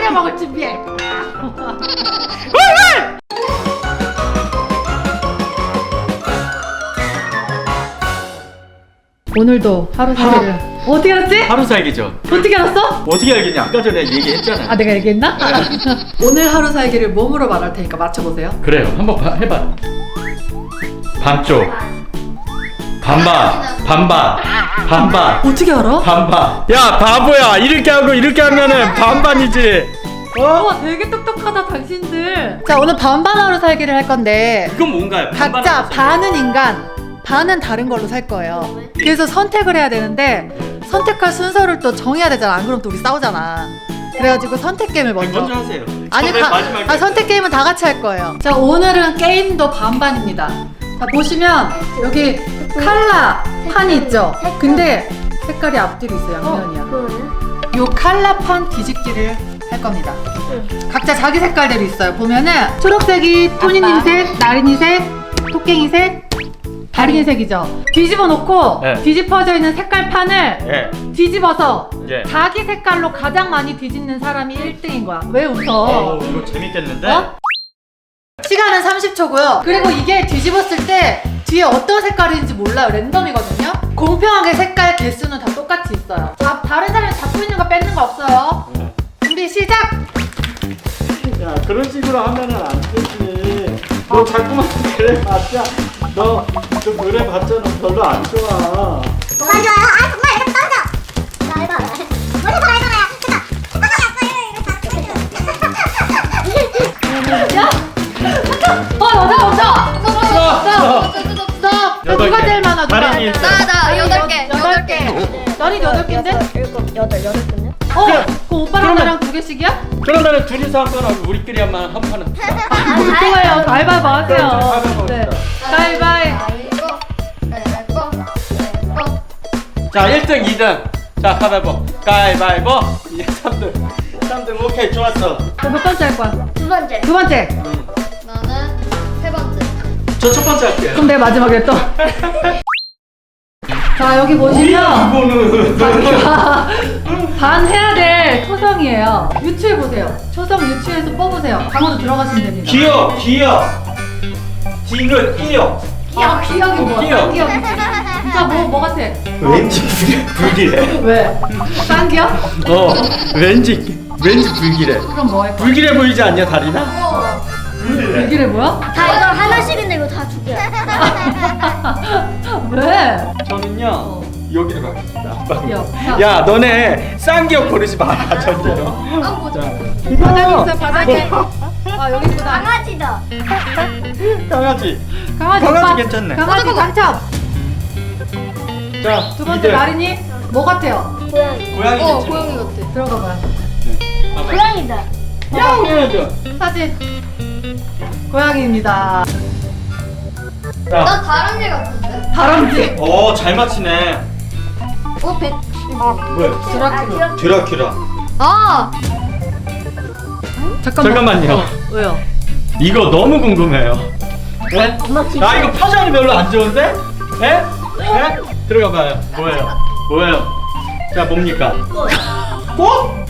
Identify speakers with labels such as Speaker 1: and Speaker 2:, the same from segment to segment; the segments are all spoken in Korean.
Speaker 1: 시원하게 먹을 준비해. 오늘도 하루 살기를 어떻게 알았지?
Speaker 2: 하루 살기죠.
Speaker 1: 어떻게 알았어?
Speaker 2: 어떻게 알겠냐? 아까 전에 얘기했잖아요.
Speaker 1: 아 내가 얘기했나? 오늘 하루 살기를 몸으로 말할 테니까 맞춰보세요.
Speaker 2: 그래요. 한번 해봐. 반쪽, 반반, 반반, 반반,
Speaker 1: 어떻게 알아?
Speaker 2: 반반. 야 바보야. 이렇게 하고 이렇게 하면은 반반이지.
Speaker 1: 와 되게 똑똑하다 당신들. 자 오늘 반반 하루 살기를 할 건데
Speaker 2: 그건 뭔가요?
Speaker 1: 각자 반은 인간 반은 다른 걸로 살 거예요. 그래서 선택을 해야 되는데 선택할 순서를 또 정해야 되잖아. 안 그러면 또 우리 싸우잖아. 그래가지고 선택 게임을 먼저
Speaker 2: 하세요.
Speaker 1: 아니
Speaker 2: 마지막에.
Speaker 1: 선택 게임은 다 같이 할 거예요. 자 오늘은 게임도 반반입니다. 자 보시면 여기 칼라 판이 있죠. 근데 색깔이 앞뒤로 있어요. 양면이야. 요 칼라판 뒤집기를 할 겁니다. 각자 자기 색깔대로 있어요. 보면은 초록색이 토니님 색, 나린이 색, 토깽이 색, 다린이 색이죠. 뒤집어 놓고
Speaker 2: 네.
Speaker 1: 뒤집어져 있는 색깔판을
Speaker 2: 예.
Speaker 1: 뒤집어서
Speaker 2: 예.
Speaker 1: 자기 색깔로 가장 많이 뒤집는 사람이 1등인 거야. 왜 웃어?
Speaker 2: 이거 재밌겠는데?
Speaker 1: 어? 시간은 30초고요. 그리고 이게 뒤집었을 때 뒤에 어떤 색깔인지 몰라요. 랜덤이거든요. 공평하게 색깔 개수는 다 똑같이 있어요. 다른 사람이 잡고 있는 거 뺏는 거 없어요. 준비 시작!
Speaker 2: 야 그런 식으로 하면은 안 되지. 너 자꾸만 그래 봤자 너 그래 봤자는 별로 안 좋아.
Speaker 3: 뭐가 좋아요? 아 정말 이렇게 떨어져. 나 해봐. 머리 잘 알잖아요.
Speaker 1: 야! 너 누가 제일 많아? 누가?
Speaker 2: 다린이 있어.
Speaker 3: 나 8개.
Speaker 1: 8개. 너는 8개인데?
Speaker 3: 7, 8 개인데?
Speaker 1: 그 오빠랑 나랑 2개씩이야?
Speaker 2: 그러면은 둘이서 한 판 하고 우리끼리 한 판은.
Speaker 1: 좋아요. 가위바위보 하세요.
Speaker 2: 가위바위보
Speaker 1: 네.
Speaker 2: 합시다.
Speaker 1: 가위바위보.
Speaker 2: 자 1등 2등. 자 가위바위보. 가위바위보. 3등 오케이 좋았어.
Speaker 1: 너 몇 번째 할 거야?
Speaker 3: 두 번째.
Speaker 1: 두 번째.
Speaker 3: 나는 세 번째.
Speaker 2: 저 첫 번째 할게요.
Speaker 1: 그럼 내가 마지막에 또. 자 여기 보시면
Speaker 2: 이거는
Speaker 1: 반 해야 될 초성이에요. 유추해 보세요. 초성 유추해서 뽑으세요. 강호도 들어가시면 됩니다.
Speaker 2: 기억 디귿 끼역.
Speaker 1: 기억이 뭐야?
Speaker 2: 기억.
Speaker 1: 기억이지. 진짜 뭐 같아?
Speaker 2: 왠지 불길해.
Speaker 1: 왜? 쌍기역?
Speaker 2: 왠지 불길해.
Speaker 1: 그럼 뭐 할까?
Speaker 2: 불길해 보이지 않냐 다리나? 불길해.
Speaker 1: 얘기를 뭐야?
Speaker 3: 다 이거 하나씩인데 이거 다 두 개야.
Speaker 1: 왜?
Speaker 2: 저는요 여기로 가겠습니다.
Speaker 1: 기억.
Speaker 2: 야 너네 쌍기역 고르지 마 절대로.
Speaker 1: 바닥에 있어 바닥에. 아 여기 있구나.
Speaker 3: 강아지다.
Speaker 2: 강아지.
Speaker 1: 강아지
Speaker 2: 강아지
Speaker 1: 오빠.
Speaker 2: 괜찮네.
Speaker 1: 강아지 당첨.
Speaker 2: 자
Speaker 1: 두 번째 나린이 뭐 같아요?
Speaker 3: 고양이.
Speaker 2: 고양이 괜찮아.
Speaker 1: 고양이 같아. 들어가 봐요.
Speaker 3: 고양이다.
Speaker 2: 고양이죠.
Speaker 1: 사진. 고양이입니다.
Speaker 2: 자.
Speaker 3: 다른 애 같은데?
Speaker 1: 다람쥐.
Speaker 2: 잘 맞히네.
Speaker 3: 백.
Speaker 2: 뭐야? 드라큘라.
Speaker 3: 아.
Speaker 2: 잠깐만요.
Speaker 1: 왜요?
Speaker 2: 이거 너무 궁금해요. 네? 나 이거 표정이 별로 안 좋은데? 네? 네? 들어가 봐요. 뭐예요? 자, 뭡니까? 꽃?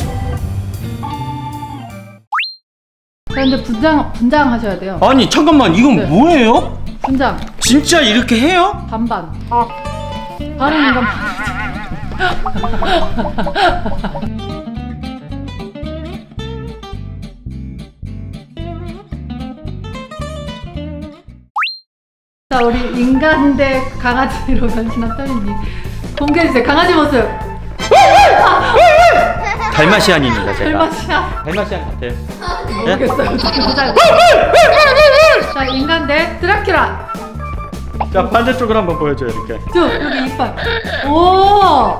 Speaker 1: 자 근데 분장 하셔야 돼요.
Speaker 2: 아니, 잠깐만. 이건
Speaker 1: 네.
Speaker 2: 뭐예요?
Speaker 1: 분장
Speaker 2: 진짜 이렇게 해요?
Speaker 1: 반반. 반은 인간 자 우리 인간 대 강아지로 변신한 떨이님 공개해주세요. 강아지 모습.
Speaker 2: 달마시안입니다, 제가.
Speaker 1: 얼마시야?
Speaker 2: 달마시안 같아요.
Speaker 1: 모르겠어요. 자 인간 대 드라큘라.
Speaker 2: 자, 반대쪽으로 한번 보여줘요, 이렇게.
Speaker 1: 여기 이빨. 오.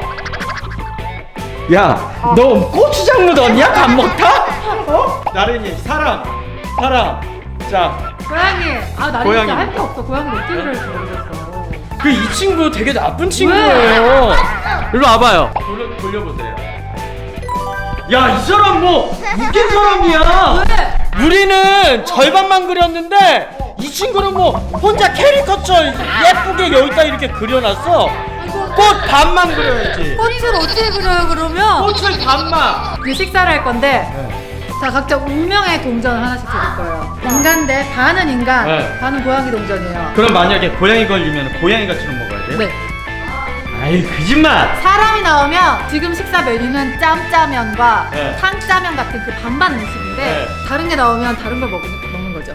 Speaker 2: 야, 너 고추장 묻었냐? 밥 먹다? 나린이, 사랑. 자,
Speaker 1: 고양이. 아 나는
Speaker 2: 고양이.
Speaker 1: 진짜 할 게 없어. 고양이 어떻게 그럴지 모르겠어.
Speaker 2: 이 친구 되게 나쁜 친구예요. 일로 와봐요. 돌려보세요. 야, 이 사람 뭐 웃긴 사람이야.
Speaker 1: 왜?
Speaker 2: 우리는 절반만 그렸는데 이 친구는 뭐 혼자 캐리커처 예쁘게 여기다 이렇게 그려놨어.
Speaker 1: 이거
Speaker 2: 꽃 반만 그려야지.
Speaker 1: 꽃을 어떻게 그려요 그러면?
Speaker 2: 꽃을 반만.
Speaker 1: 이제 식사를 할 건데
Speaker 2: 네.
Speaker 1: 자 각자 운명의 동전을 하나씩 드릴 거예요. 인간 대 반은 인간,
Speaker 2: 네.
Speaker 1: 반은 고양이 동전이에요.
Speaker 2: 그럼 만약에 고양이 걸리면 고양이같이는 먹어야 돼?
Speaker 1: 네.
Speaker 2: 아이 거짓말.
Speaker 1: 사람이 나오면 지금 식사 메뉴는 짬짜면과
Speaker 2: 네.
Speaker 1: 탕짜면 같은 그 반반 음식인데
Speaker 2: 네.
Speaker 1: 다른 게 나오면 다른 걸 먹는 거죠.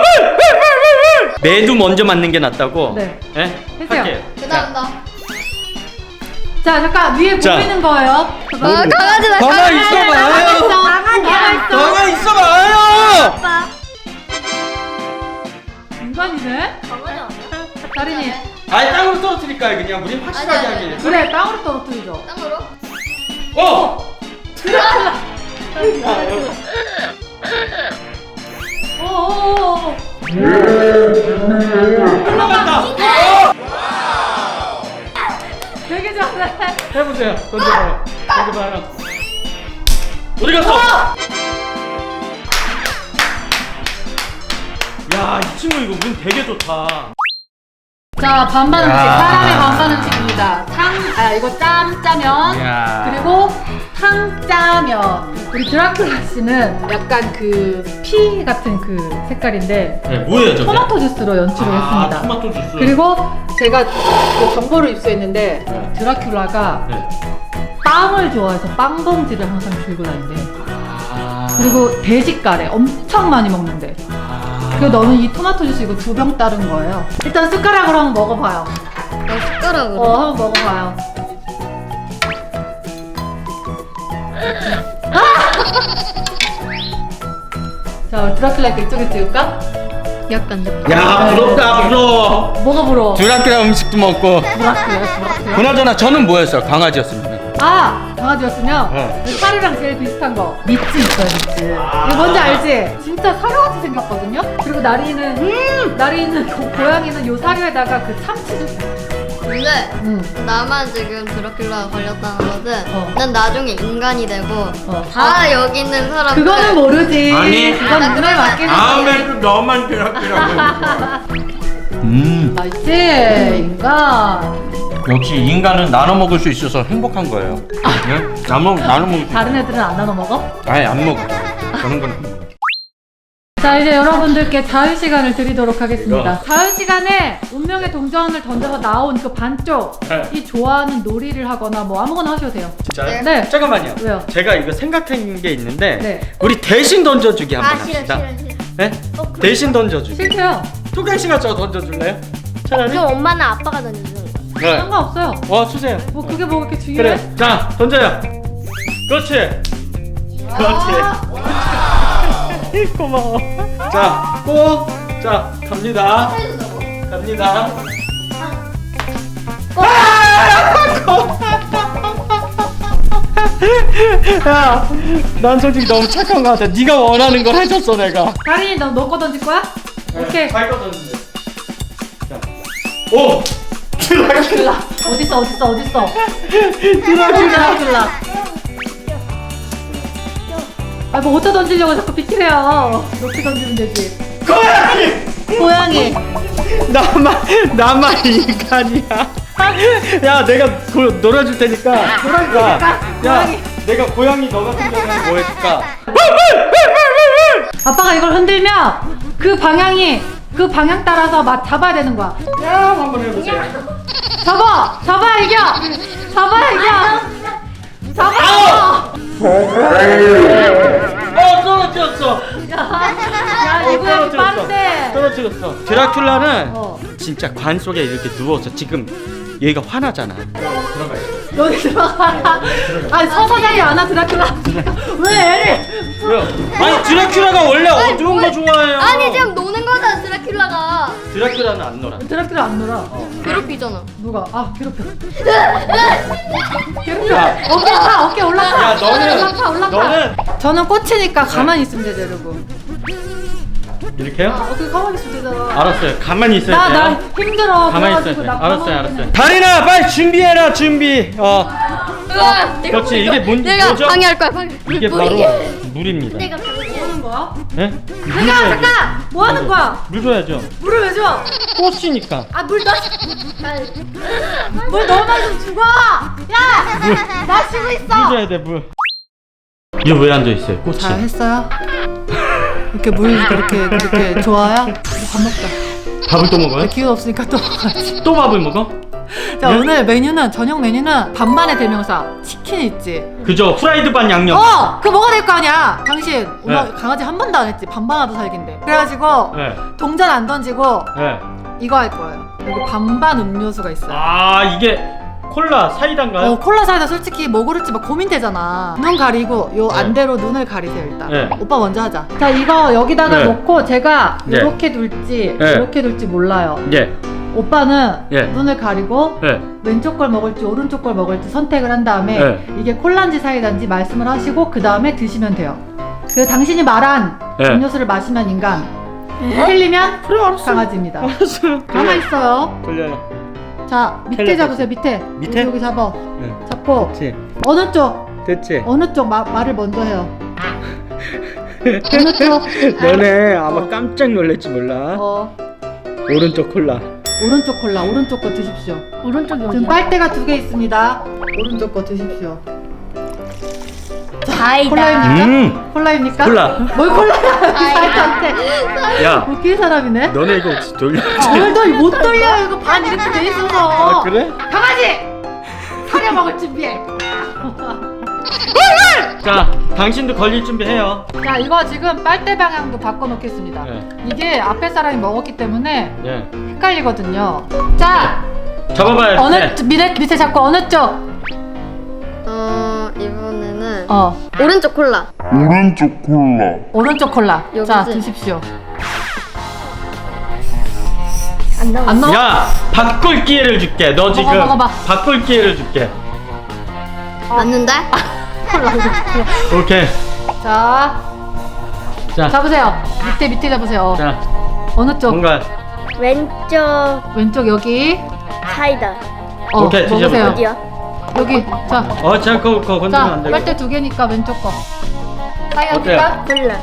Speaker 2: 매도 먼저 맞는 게 낫다고?
Speaker 1: 네.
Speaker 2: 네?
Speaker 1: 해세요.
Speaker 2: 할게요.
Speaker 3: 그다음 나.
Speaker 1: 자 잠깐 위에
Speaker 2: 자.
Speaker 1: 보이는 거예요.
Speaker 3: 아 강아지다.
Speaker 2: 가만히 있어봐요.
Speaker 3: 강아지야.
Speaker 2: 가만히 있어봐요.
Speaker 3: 아빠.
Speaker 1: 인간이네?
Speaker 3: 강아지 아니야?
Speaker 1: 다린이
Speaker 2: 아니 땅으로 떨어뜨릴까요 그냥? 우리 확실하게
Speaker 3: 아니, 아니.
Speaker 2: 하길.
Speaker 1: 그래 땅으로 떨어뜨리죠.
Speaker 3: 땅으로?
Speaker 2: 어!
Speaker 1: 오오오오.
Speaker 2: 올라간다!
Speaker 1: 되게 잘해.
Speaker 2: 해보세요. 던져봐요. 던져봐요. 어디 갔어? 야, 이 친구 이거 운 되게 좋다.
Speaker 1: 자 반반 음식,
Speaker 2: 야.
Speaker 1: 사람의 반반 음식입니다. 이거 짬짜면
Speaker 2: 야.
Speaker 1: 그리고 탕짜면. 우리 드라큘라 씨는 약간 그 피 같은 그 색깔인데
Speaker 2: 네, 뭐예요, 저게?
Speaker 1: 토마토 주스로 연출을 했습니다.
Speaker 2: 토마토 주스.
Speaker 1: 그리고 제가 그 정보를 입수했는데
Speaker 2: 네.
Speaker 1: 드라큘라가
Speaker 2: 네.
Speaker 1: 빵을 좋아해서 빵 봉지를 항상 들고 다닌대.
Speaker 2: 아.
Speaker 1: 그리고 돼지가래 엄청 많이 먹는데. 그리고 너는 이 토마토 주스 이거 2병 따른 거예요. 일단 숟가락으로 한번 먹어봐요.
Speaker 3: 숟가락으로.
Speaker 1: 한번 먹어봐요. 자, 드라큘라 이쪽에 찍을까?
Speaker 3: 약간
Speaker 2: 야, 부럽다, 부러워.
Speaker 1: 뭐가 부러워?
Speaker 2: 드라큘라 음식도 먹고.
Speaker 1: 드라큘라.
Speaker 2: 그나저나 저는 뭐였어요? 강아지였으면.
Speaker 1: 강아지였으면
Speaker 2: 네.
Speaker 1: 사료랑 제일 비슷한 거 미츠 있어요, 미츠. 이거 뭔지 알지? 진짜 사료같이 생겼거든요? 그리고 나리는 고양이는 요 사료에다가 그 참치 좀.
Speaker 3: 근데 나만 지금 드라큘라가 걸렸다는 거는 난 나중에 인간이 되고 다 여기 있는 사람들
Speaker 1: 그거는 모르지.
Speaker 2: 아니.
Speaker 1: 그건 눈에 맞게
Speaker 2: 또 너만 드라큘라고.
Speaker 1: 맛있지? 인간.
Speaker 2: 역시 인간은 나눠 먹을 수 있어서 행복한 거예요. 네? 나눠 먹을 수.
Speaker 1: 다른 애들은 안 나눠 먹어?
Speaker 2: 아예 안 먹어. 그런 건.
Speaker 1: 자 이제 여러분들께 자유 시간을 드리도록 하겠습니다.
Speaker 2: 야.
Speaker 1: 자유 시간에 운명의 동전을 던져서 나온 그 반쪽
Speaker 2: 네.
Speaker 1: 이 좋아하는 놀이를 하거나 뭐 아무거나 하셔도 돼요.
Speaker 2: 진짜요?
Speaker 1: 네.
Speaker 2: 잠깐만요.
Speaker 1: 왜요?
Speaker 2: 제가 이거 생각한 게 있는데
Speaker 1: 네.
Speaker 2: 우리 대신 던져주기 한번
Speaker 3: 아 싫어
Speaker 2: 합시다.
Speaker 3: 싫어 싫어.
Speaker 2: 네? 대신 던져주기.
Speaker 1: 싫대요.
Speaker 2: 토강 씨가 저 던져줄래요? 차라리.
Speaker 3: 그럼 엄마는 아빠가 던져주는 거야.
Speaker 2: 네.
Speaker 1: 상관없어요.
Speaker 2: 와 주세요.
Speaker 1: 뭐 그게 뭐 그렇게 중요해?
Speaker 2: 그래. 자 던져요. 그렇지. 그렇지. 고마워. 자, 꼭. 자, 갑니다. 갑니다. 야, 난 솔직히 너무 착한 것 같아. 네가 원하는 걸 해줬어, 내가.
Speaker 1: 다린이 너 거 던질 거야? 오케이.
Speaker 2: 발거 던지세요. 자, 오.
Speaker 1: 드라큘라. 어딨어?
Speaker 2: 드라큘라.
Speaker 1: 뭐 어디다 던지려고 자꾸 비키래요. 높이 던지면 되지.
Speaker 2: 고양이.
Speaker 1: 고양이.
Speaker 2: 나만 인간이야. 야, 내가 놀아줄 테니까. 야,
Speaker 1: 고양이.
Speaker 2: 내가 고양이 너 같은 경우는 뭐 해줄까?
Speaker 1: 아빠가 이걸 흔들면 그 방향 따라서 잡아야 되는 거야.
Speaker 2: 야, 한번 해보세요.
Speaker 1: 잡아 이겨. 잡아.
Speaker 2: 떨어뜨렸어.
Speaker 1: 야 이거 빠른데.
Speaker 2: 떨어뜨렸어. 드라큘라는
Speaker 1: 어.
Speaker 2: 진짜 관 속에 이렇게 누워서 지금 얘가 화나잖아. 들어가요.
Speaker 1: 여기 들어가. 아니 서서 자리 안 와 드라큘라. 왜 애를?
Speaker 2: 왜요? 아니 드라큘라가 원래 어두운 거 좋아해요.
Speaker 3: 아니 지금 노는 거잖아 드라큘라가.
Speaker 2: 드라큘라는 안 놀아.
Speaker 1: 드라큘라 안 놀아.
Speaker 3: 괴롭히잖아.
Speaker 1: 누가? 괴롭혀.
Speaker 2: 야.
Speaker 1: 어깨 올라타.
Speaker 2: 야 너는 너는
Speaker 1: 저는 꽂히니까 가만히 있으면 되죠 여러분.
Speaker 2: 이렇게요?
Speaker 1: 어떻게 가만히 있으면 되잖아.
Speaker 2: 알았어요. 가만히 있어야 돼요.
Speaker 1: 나 힘들어.
Speaker 2: 가만히 있어야
Speaker 1: 그래가지고
Speaker 2: 돼.
Speaker 1: 나
Speaker 2: 알았어요,
Speaker 1: 가만히
Speaker 2: 알았어요.
Speaker 1: 그냥.
Speaker 2: 다린아, 빨리 준비해라, 준비. 그렇지. 이게
Speaker 3: 내가
Speaker 2: 뭐죠?
Speaker 3: 방해할 거야.
Speaker 2: 이게 바로 물입니다.
Speaker 3: 내가 방해하는 거.
Speaker 1: 거야?
Speaker 2: 예?
Speaker 1: 내가 잠깐! 뭐 하는 거야?
Speaker 2: 물 줘야죠.
Speaker 1: 물을 왜 줘?
Speaker 2: 꽃이니까.
Speaker 1: 아, 물 너무 많이 좀 주고! 야! 마시고
Speaker 2: 물
Speaker 1: 있어!
Speaker 2: 줘야 돼, 물. 이거 왜 앉아 있어요? 꽃이.
Speaker 1: 잘 했어요? 이렇게 물 그렇게 좋아요? 밥 먹자.
Speaker 2: 밥을 또 먹어요?
Speaker 1: 기운 없으니까 또 먹어야지.
Speaker 2: 또 밥을 먹어?
Speaker 1: 자,
Speaker 2: 네?
Speaker 1: 오늘 메뉴는, 저녁 메뉴는 반반의 대명사 치킨 있지?
Speaker 2: 그죠? 후라이드 반 양념.
Speaker 1: 그거 먹어야 될 거 아니야. 당신 오늘
Speaker 2: 네.
Speaker 1: 강아지 한 번도 안 했지. 반반하도 살긴데. 그래가지고
Speaker 2: 네.
Speaker 1: 동전 안 던지고
Speaker 2: 네.
Speaker 1: 이거 할 거예요. 여기 반반 음료수가 있어요.
Speaker 2: 아, 이게 콜라 사이다인가요?
Speaker 1: 콜라 사이다 솔직히 뭐 고를지 막 고민되잖아. 눈 가리고 요
Speaker 2: 네.
Speaker 1: 안대로 눈을 가리세요 일단.
Speaker 2: 네.
Speaker 1: 오빠 먼저 하자. 자, 이거 여기다가
Speaker 2: 네.
Speaker 1: 놓고 제가
Speaker 2: 네.
Speaker 1: 이렇게 둘지
Speaker 2: 네.
Speaker 1: 이렇게 둘지 몰라요.
Speaker 2: 예.
Speaker 1: 오빠는
Speaker 2: 예.
Speaker 1: 눈을 가리고
Speaker 2: 예.
Speaker 1: 왼쪽 걸 먹을지 오른쪽 걸 먹을지 선택을 한 다음에
Speaker 2: 네.
Speaker 1: 이게 콜라인지 사이다인지 말씀을 하시고 그 다음에 드시면 돼요. 그래서 당신이 말한
Speaker 2: 네.
Speaker 1: 음료수를 마시면 인간, 틀리면
Speaker 2: 그래, 알았어.
Speaker 1: 강아지입니다.
Speaker 2: 알았어요.
Speaker 1: 가만 있어요.
Speaker 2: 돌려요.
Speaker 1: 자, 밑에
Speaker 2: 텔레파시.
Speaker 1: 잡으세요. 밑에.
Speaker 2: 밑에?
Speaker 1: 여기 잡아.
Speaker 2: 네.
Speaker 1: 잡고
Speaker 2: 그렇지.
Speaker 1: 어느 쪽?
Speaker 2: 됐지.
Speaker 1: 어느 쪽 말을 먼저 해요. 어느 쪽?
Speaker 2: 너네 아마 깜짝 놀랄지 몰라. 오른쪽 콜라.
Speaker 1: 오른쪽 콜라. 오른쪽 거 드십시오.
Speaker 3: 오른쪽이
Speaker 1: 지금 빨대가 2개 있습니다. 오른쪽 거 드십시오. 콜라입니까? 콜라입니까?
Speaker 2: 콜라.
Speaker 1: 뭘 콜라야? 사이다한테.
Speaker 2: 야,
Speaker 1: 웃긴 사람이네.
Speaker 2: 너네 이거 혹시 돌려?
Speaker 1: 오늘도 못 돌려요. 이거 반 이렇게 돼 있어서.
Speaker 2: 아, 그래?
Speaker 1: 강아지! 사려 먹을 준비해.
Speaker 2: 자, 당신도 걸릴 준비해요.
Speaker 1: 자, 이거 지금 빨대 방향도 바꿔놓겠습니다.
Speaker 2: 네.
Speaker 1: 이게 앞에 사람이 먹었기 때문에
Speaker 2: 예.
Speaker 1: 헷갈리거든요. 자,
Speaker 2: 잡아봐요.
Speaker 1: 어느
Speaker 2: 네.
Speaker 1: 밑에 잡고 어느 쪽?
Speaker 3: 이번에는
Speaker 1: 오른쪽 콜라.
Speaker 4: 오른쪽 콜라.
Speaker 1: 오른쪽 콜라.
Speaker 3: 여기지?
Speaker 1: 자, 드십시오.
Speaker 3: 안 나와.
Speaker 1: 안 넣어?
Speaker 2: 야, 바꿀 기회를 줄게. 너 지금
Speaker 1: 먹어봐.
Speaker 2: 바꿀 기회를 줄게.
Speaker 3: 맞는데?
Speaker 2: 오케이.
Speaker 1: 자,
Speaker 2: 자,
Speaker 1: 잡으세요. 밑에 잡으세요.
Speaker 2: 자,
Speaker 1: 어느 쪽?
Speaker 2: 뭔가
Speaker 3: 왼쪽
Speaker 1: 왼쪽 여기.
Speaker 3: 사이다.
Speaker 2: 오케이,
Speaker 1: 먹으세요.
Speaker 2: 드셔보세요.
Speaker 3: 어디야?
Speaker 1: 여기. 자,
Speaker 2: 자, 그거 건드리면
Speaker 1: 자,
Speaker 2: 안 되고.
Speaker 1: 빨대 2개니까 왼쪽 거.
Speaker 2: 어때요?
Speaker 1: 사이언니까?
Speaker 3: 콜라.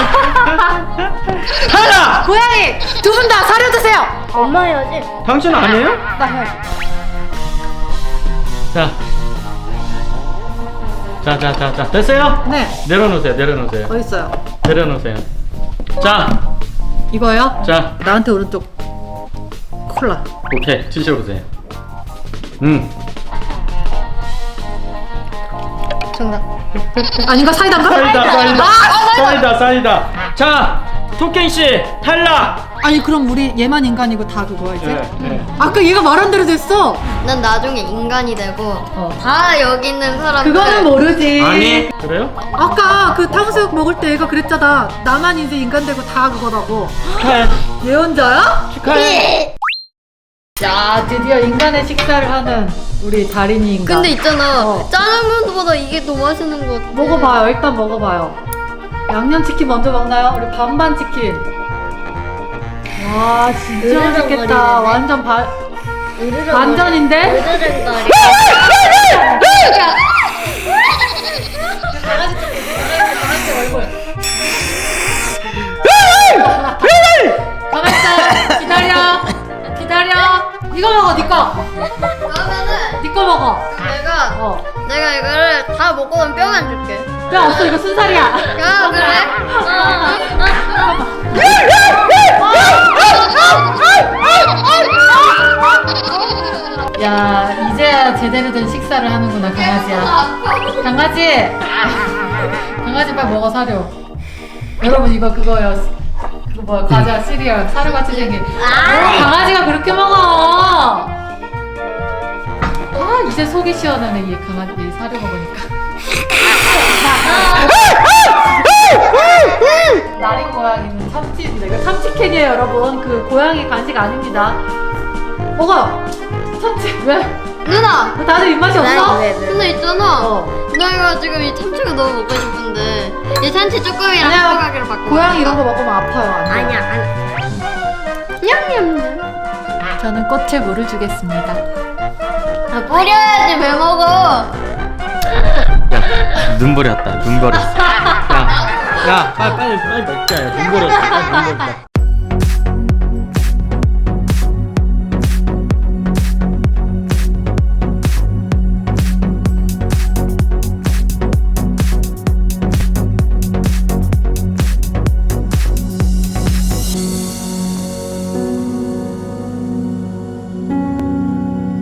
Speaker 2: 하나!
Speaker 1: 고양이! 두 분 다 사려 드세요!
Speaker 3: 엄마 해야지.
Speaker 2: 당신 아니에요?
Speaker 1: 나 해야지.
Speaker 2: 자. 자. 됐어요?
Speaker 1: 네.
Speaker 2: 내려놓으세요.
Speaker 1: 어딨어요?
Speaker 2: 내려놓으세요. 자,
Speaker 1: 이거요?
Speaker 2: 자.
Speaker 1: 나한테 오른쪽 콜라.
Speaker 2: 오케이. 드셔보세요.
Speaker 3: 정답.
Speaker 1: 아닌가? 사이다인가?
Speaker 2: 사이다. 자, 토켄씨 탈락!
Speaker 1: 아니 그럼 우리 얘만 인간이고 다 그거야 이제?
Speaker 2: 네.
Speaker 1: 아까 얘가 말한 대로 됐어.
Speaker 3: 난 나중에 인간이 되고 다 여기 있는 사람들.
Speaker 1: 그거는 모르지.
Speaker 2: 아니, 그래요?
Speaker 1: 아까 그 탕수육 먹을 때 얘가 그랬잖아. 나만 이제 인간 되고 다 그거라고.
Speaker 2: 축하해.
Speaker 1: 예언자야?
Speaker 2: 축하해.
Speaker 1: 야, 드디어 인간의 식사를 하는 우리 다린이 인간.
Speaker 3: 근데 있잖아.
Speaker 1: 어.
Speaker 3: 짜장면보다 이게 더 맛있는 것 같아.
Speaker 1: 먹어봐요. 일단 먹어봐요. 양념치킨 먼저 먹나요? 우리 반반 치킨. 와, 진짜 맛있겠다.
Speaker 3: 으르렁거리는데?
Speaker 1: 완전 반전인데?
Speaker 3: 으르렁거리.
Speaker 1: 가만있어. 기다려. 이거 먹어, 니 거.
Speaker 3: 그러면은
Speaker 1: 니 거 먹어.
Speaker 3: 내가 이거를 다 먹고 나면 뿅 안 줄게.
Speaker 1: 야, 없어. 이거 순살이야.
Speaker 3: 야 그래?
Speaker 1: 야, 이제야 제대로 된 식사를 하는구나, 강아지야. 강아지 빨리 먹어, 사료. 여러분, 이거 그거요. 그 뭐야, 과자, 시리얼, 사료같이 생긴. 강아지가 그렇게 먹어. 이제 속이 시원하네, 이 강아지, 이 사료 먹으니까. 나린 고양이는 참치입니다. 이거 참치캔이에요, 여러분. 그 고양이 간식 아닙니다. 먹어요. 참치. 왜?
Speaker 3: 누나.
Speaker 1: 다들 입맛이 없어?
Speaker 3: 근데 있잖아. 내가 지금 이 참치가 너무 먹고 싶은데 이 참치 쭈꾸미랑
Speaker 1: 아니야.
Speaker 3: 호박이랑 바꿔.
Speaker 1: 고양이 이런 거 먹으면 아파요. 안 돼요.
Speaker 3: 아니야. 냠냠.
Speaker 1: 저는 꽃에 물을 주겠습니다.
Speaker 3: 뿌려야지 왜 먹어?
Speaker 2: 야, 눈 버렸다. 야, 야, 빨리 먹자. 눈 버렸어. 빨리 눈 버렸다.